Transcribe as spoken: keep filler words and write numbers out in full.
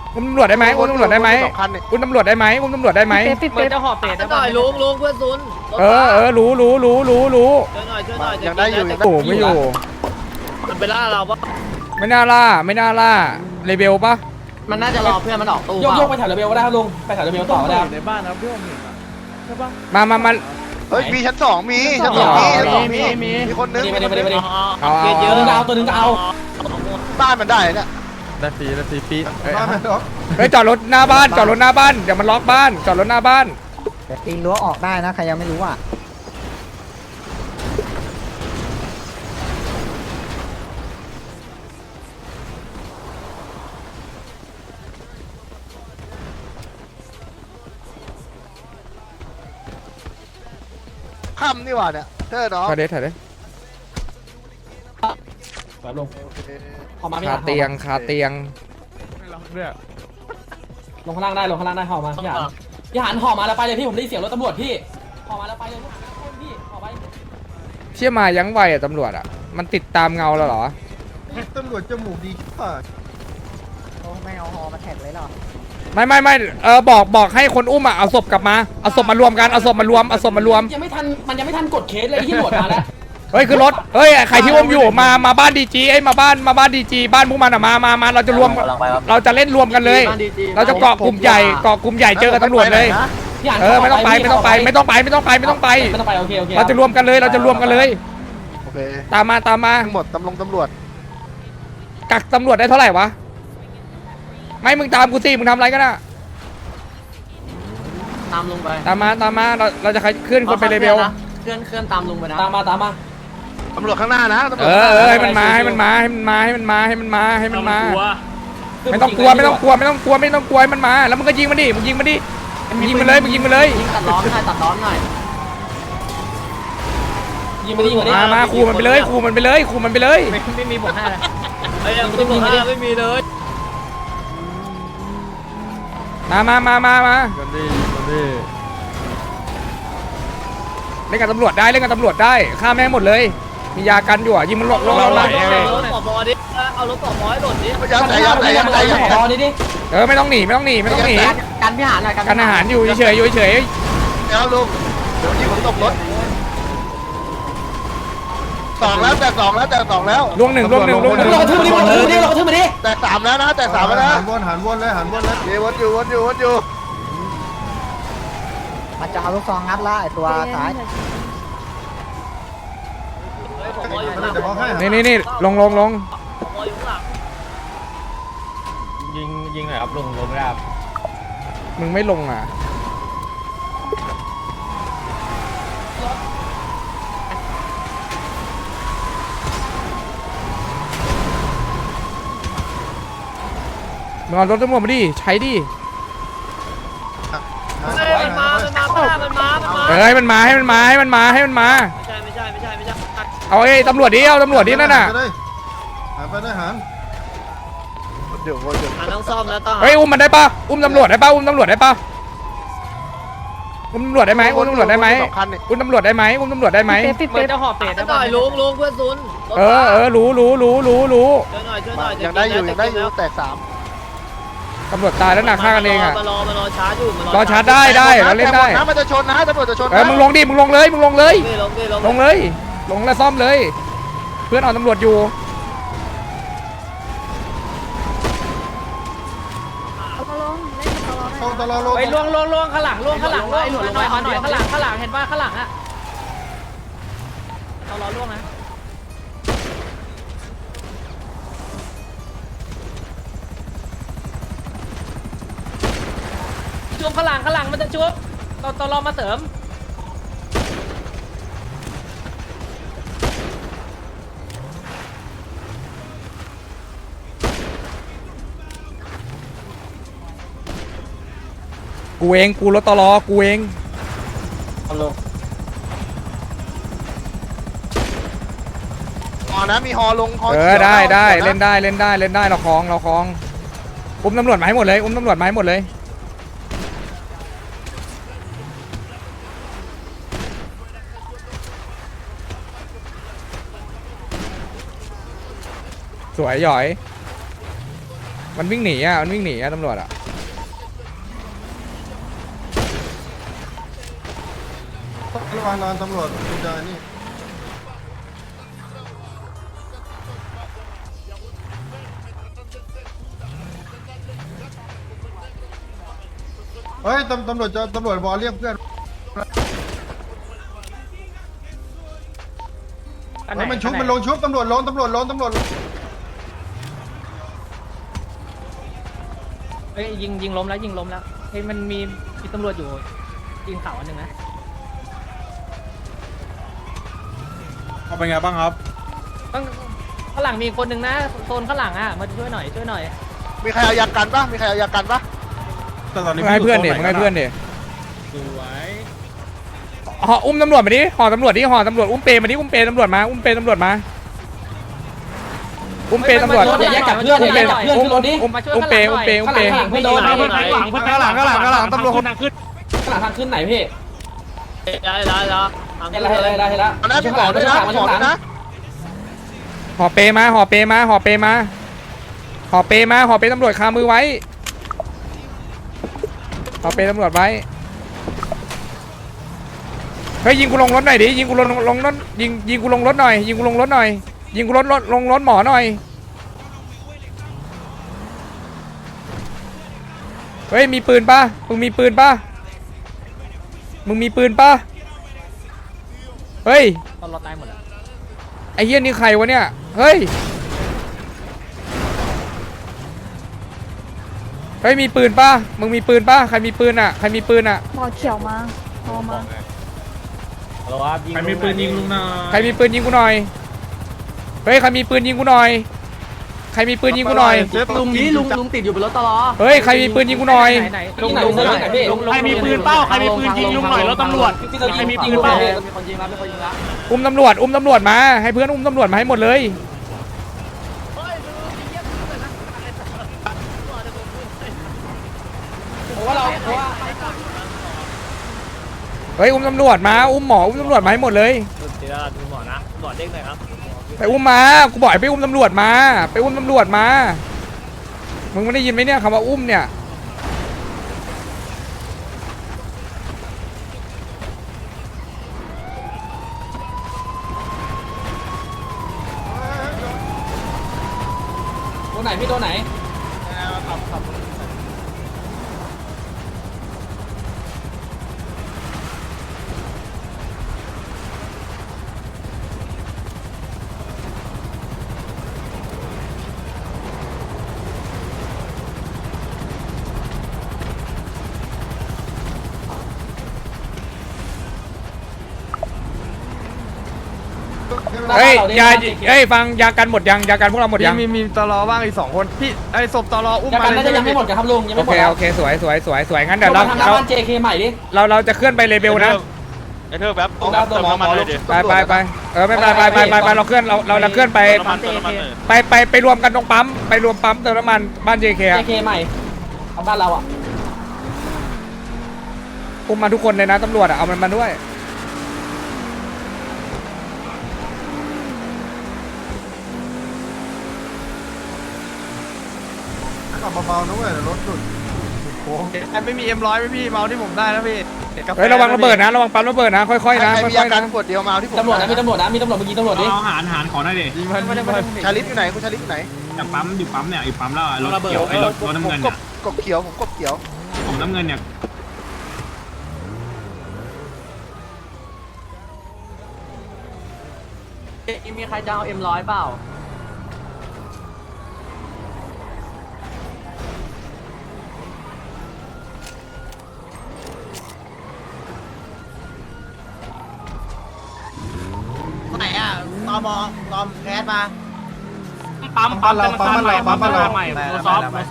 อุ้มตำรวจได้ไหมอุ้มตำรวจได้ไหมอุ้มตำรวจได้ไหมอุ้มตำรวจได้ไหมเหมือนจะหอบเป็ดหน่อยลุงลุงเพื่อนซุนเออเออรู้รู้รู้รู้รู้ช่วยหน่อยช่วยหน่อยยังได้อยู่ยังได้โอ้ไม่อยู่มันไปล่าเราปะไม่น่าล่าไม่น่าล่าเลเบลปะมันน่าจะรอเพื่อนมันออกตู้โยกโยกไปแถวเรเบลก็ได้ครับลุงไปแถวเรเบลต่อก็ได้ครับในบ้านนะพี่ผมเห็นใช่ปะมามามาเฮ้ยมีชั้นสองมีชั้นสองมีชั้นสองมีมีคนนึงไปดิไปดิไปดิเกียร์เยอะตัวนึงเอาตัวนึงก็เอาบ้านมันได้เนี่ยได้ฟรีได้ฟรีปีบ้านมันล็อกเฮ้ยจอดรถหน้าบ้านจอดรถหน้าบ้านเดี๋ยวมันล็อกบ้านจอดรถหน้าบ้านปีนรั้วออกได้นะใครยังไม่รู้อ่ะค่ำนี่หว่าเนี่ยเธอเนาะถ่ายเด้ถ่ายเด้แบบลุงออกมาไม่คาทันเตียงคาเตียงลงข้างล่างได้ลงข้างล่างได้ห่อมาพี่หานพี่หานห่อมาแล้วไปเลยพี่ผมได้ยินเสียงรถตำรวจพี่ห่อมาแล้วไปเลยพี่ห่อไปเชี่ยมายังไวอะตำรวจอะมันติดตามเงาแล้วเหรอตำรวจจมูกดีป่ะโอ้ไม่เอาฮอมาแท็กเลยหรอไม่ไม่ไม่เออบอกบอกให้คนอุ้มอะเอาศพกลับมาเอาศพมารวมกันเอาศพมารวมเอาศพมารวมยังไม่ทันมันยังไม่ทันกดเคสเลยที่ตำรวจมาแล้วเฮ้ยคือรถเฮ้ยใครที่อุ้มอยู่มามาบ้านดีจีไอ้ยมาบ้านมาบ้านดีจีบ้านพวกมันอะมามามาเราจะรวมเราจะเล่นรวมกันเลย เราจะเกาะกลุ่มใหญ่เกาะกลุ่มใหญ่เจอกับตำรวจเลยพี่หานเออไม่ต้องไปไม่ต้องไปไม่ต้องไปไม่ต้องไปไม่ต้องไปไม่ต้องไปโอเคโอเคเราจะรวมกันเลยเราจะรวมกันเลยโอเคตามมาตามมาทั้งหมดตำรวจตำรวจกักตำรวจได้เท่าไหร่วะไม่มึงตามกูสิมึงทำอะไรกันอะตามลงไปตามมาตามมาเราเราจะเคลื่อนคนไปเลเวลเคลื่อนเคลื่อนตามลงไปนะตามมาตามมาตำรวจข้างหน้านะตำรวเอจอเออให้มันมาให้มันมาให้มันมาให้มันมาให้มันมาให้มันมาไม่ต้องกลัวไม่ต้องกลัวไม่ต้องกลัวไม่ต้องกลัวให้มันมาแล้วมึงก็ยิงมันดิมึงยิงมันดิมึงยิงมันเลยมึงยิงมันเลยยิงตัดล้อมหน่อยตัดล้อมหน่อยยิงมาดิยิงมาดิมามาขู่มันไปเลยขู่มันไปเลยขู่มันไปเลยไม่ไม่มีบทให้เลยไอ้ยังไม่มีไม่มีเลยมามามามามากันดีกันดีเล่นกับตำรวจได้เล่นกับตำรวจได้ฆ่าแม่งหมดเลยมียากันอยู่อ่ะยิงมันหลอกลงเราไหลเอารถปอบอดิเอารถปอบอให้หล่นดิยัดใจยัดใจยัดใจยัดใจรอดิดิเออไม่ต้องหนีไม่ต้องหนีไม่ต้องหนีกันพิหารหน่อยกันอาหารอยู่เฉยๆอยู่เฉยเดี๋ยวลุงเดี๋ยวยิงผมตกรถสองแล้วแต่สองแล้วแต่สองแล้วๆล่วงหนึ่งล่วงหนึ่งล่วงหนึ่งเรากระทืบมาดิเรากระทืบมาดิเรากระทืบมาดิแต่สามแล้วนะแต่สามแล้วนะหันวนหันวนเลยหันวนเลยเดี๋ยววนอยู่วนอยู่วนอยู่มันจะเอาลูกซองงัดละไอตัวซ้ายปอบออยู่ข้างหลังเดี๋ยวบอกให้นี่นี่นี่ลงลงลงปอบออยู่ข้างหลังยิงยิงหน่อยครับลงลงไม่ได้ครับมึงไม่ลงอ่ะมึงเอารถตำรวจมาดิใช้ดิเฮ้ยมันมามันมามันมามันมาเอ้ยมันมาให้มันมาให้มันมาให้มันมาไม่ใช่ไม่ใช่ไม่ใช่ไม่ใช่เอาไอ้ตำรวจดิเอาตำรวจดินั่นน่ะหันไปได้หันวนอยู่วนอยู่อ่าต้องซ่อมแล้วต้องเฮ้ยอุ้มมันได้ปะอุ้มตำรวจได้ปะอุ้มตำรวจได้ปะอุ้มตำรวจได้ไหมอุ้มตำรวจได้ไหมสองคันนี่อุ้มตำรวจได้ไหมอุ้มตำรวจได้ไหมเหมือนจะหอบเป็ดหน่อยลุงลุงเพื่อนซุนเออเออรู้รู้รู้รู้รู้ช่วยหน่อยช่วยหน่อยยังได้อยู่ยังได้อยู่แต่สามตำรวจตายแล้วหนักฆ่ากันเองอ่ะมารอมารอชาร์จอยู่รอชาร์จได้ได้เราเล่นได้นะมันจะชนนะตำรวจจะชนเออมึงลงดิมึงลงเลยมึงลงเลยลงดิลงลงเลย ลงแล้วซ่อมเลย เพื่อนเอาตำรวจอยู่เข้าตลอดโลไปล่วงล่วงล่วงข้างหลังล่วงข้างหลังล่วงหลุดลงไปหน่อยข้างหลังข้างหลังเห็นป่ะข้างหลังอ่ะเอาล้อล่วงนะชุบข้างหลังข้างหลังมันจะชุบเราตอรอมาเสริมกูเองกูรถตลอกูเองฮอนะมีฮอลงฮอเออได้ได้เล่นได้เล่นได้เล่นได้เราคลองเราคลองอุ้มตำรวจมาให้หมดเลยอุ้มตำรวจมาให้หมดเลยสวยหย่อยมันวิ่งหนีอ่ะมันวิ่งหนีอ่ะตำรวจอ่ะระวังนอนตำรวจคุณจะนี่เฮ้ยตำตำรวจจะตำรวจบอลเรียกเพื่อนเฮ้ยมันชุบมันลงชุบตำรวจลงตำรวจลงตำรวจเฮ้ยยิงยิงล้มแล้วยิงล้มแล้วเฮ้ยมันมีมีตำรวจอยู่ยิงเขาอันหนึ่งนะเอาเป็นไงบ้างครับต้องข้างหลังมีคนหนึ่งนะโซนข้างหลังอ่ะมาช่วยหน่อยช่วยหน่อยมีใครเอายากันปะมีใครเอายากันปะแต่ตอนมึนี้งให้เพื่อนเด็มึงให้เพื่อนเด็สวยห่ออุ้มตำรวจมาดิห่อตำรวจดิห่อตำรวจอุ้มเปมาดิอุ้มเปตำรวจมาอุ้มเปตำรวจมาอุ้มเปตำรวจรถอย่าแยกกับเพื่อนอย่าแยกกับเพื่อนขึ้นรถดิอุ้มอุ้มเปอุ้มเปอุ้มเปข้างหลังไม่โดนข้างข้างหลังข้างหลังข้างหลังตำรวจคนขึ้นข้างหลังทางขึ้นไหนพี่ได้ได้แล้วเห็นแล้วเห็นแล้วเห็นแล้วเห็นแล้วตอนนั้นพี่หมอด้วยนะหมอด้วยนะห่อเปมาห่อเปมาห่อเปมาห่อเปมาห่อเปตำรวจคามือไว้ห่อเปตำรวจไว้เฮ้ยยิงกูลงรถหน่อยดิยิงกูลงลงรถยิงยิงกูลงรถหน่อยยิงกูลงรถหน่อยยิงกูรถรถลงรถหมอหน่อยเฮ้ยมีปืนป่ะมึงมีปืนป่ะมึงมีปืนป่ะเฮ้ยตอนเราตายหมดแล้วไอ้เหี้ยนี่ใครวะเนี่ยเฮ้ยเฮ้ยมีปืนป่ะมึงมีปืนป่ะใครมีปืนอ่ะใครมีปืนอ่ะหมอเขียวมาพอมาใครมีปืนยิงลุงนะใครมีปืนยิงกูหน่อยเฮ้ยใครมีปืนยิงกูหน่อยใครมีปืนยิงกูหน่อยเซฟลุงนี้ลุงลุงติดอยู่บนรถตลอเฮ้ยใครมีปืนยิงกูหน่อยไหนลุงไหนลุงไหนพี่ใครมีปืนเป้าใครมีปืนยิงลุงหน่อยรถตำรวจพี่เรายิงมีปืนเปล่ามีคนยิงแล้วมีคนยิงแล้วอุ้มตำรวจอุ้มตำรวจมาให้เพื่อนอุ้มตำรวจมาให้หมดเลยเพราะว่าเราเพราะว่าเฮ้ยอุ้มตำรวจมาอุ้มหมออุ้มตำรวจมาให้หมดเลยเดี๋ยวดูหมอนะหมอเด้งหน่อยครับไปอุ้มมากูบอกให้ไปอุ้มตำรวจมาไปอุ้มตำรวจมามึงไม่ได้ยินไหมเนี่ยคำว่าอุ้มเนี่ยตัวไหนพี่ตัวไหนเฮ้ยยาเฮ้ยฟังยากันหมดยังยากันพวกเราหมดยังมีมีตลอว่างอีกสองคนพี่ไอ้ศพตลออุ้มยามากันเลยน่าจะยังไม่หมดครับลุงยังโอไม่หมเคดแล้วโอเคสวยสวยสวยสวยงั้นเดี๋ยวเราเราทำหน้าเราบ้าน เจ เค ใหม่ดิเราเราจะเคลื่อนไปเลเวลนะไอ้เธอแป๊บต้องรับตัวหมอหมอลงไปไปไปเออไม่เป็นไรไปไปไปไปเราเคลื่อนเราเราเราเคลื่อนไปปั๊มเจเคไปไปไปรวมกันตรงปั๊มไปรวมปั๊มเติมน้ำมันบ้าน เจ เคเจอะเคใหม่เอาบ้านเราอ่ะอุ้มมาทุกคนเลยนะตำรวจอะเอามันมาด้วยขับเบาๆนะเว้ยเดี๋ยวรถหลุดโค้งไม่มีเอ็มร้อยไหมพี่เมาที่ผมได้นะพี่เฮ้ยระวังระเบิดนะระวังปั๊มระเบิดนะค่อยๆนะใครมีค่ยาอยๆกันะนขวดเดียวมาเอาที่ผมตำรวจนะมีตำรวจนะมีตำรวจเมื่อกี้ตำรวจดิเอาหารหารขอหน่อยดิยิงมันยิงมันชาลิฟอยู่ไหนคุณชาลิฟอยู่ไหนจากปั๊มอยู่ปั๊มเนี่ยไอ้ปั๊มแล้วรถเขียวไอ้รถรถน้ำผมเงินกเนี่บยกบเขียวผมกบเขียวผมน้ำเงินเนี่ยมีใครจะเอาเอ็มร้อยเปล่าไหนอ่ะตอมอตอมแคสมาปั๊มปั๊มเราปั๊มเราปั๊มเราใหม่โมซอฟโม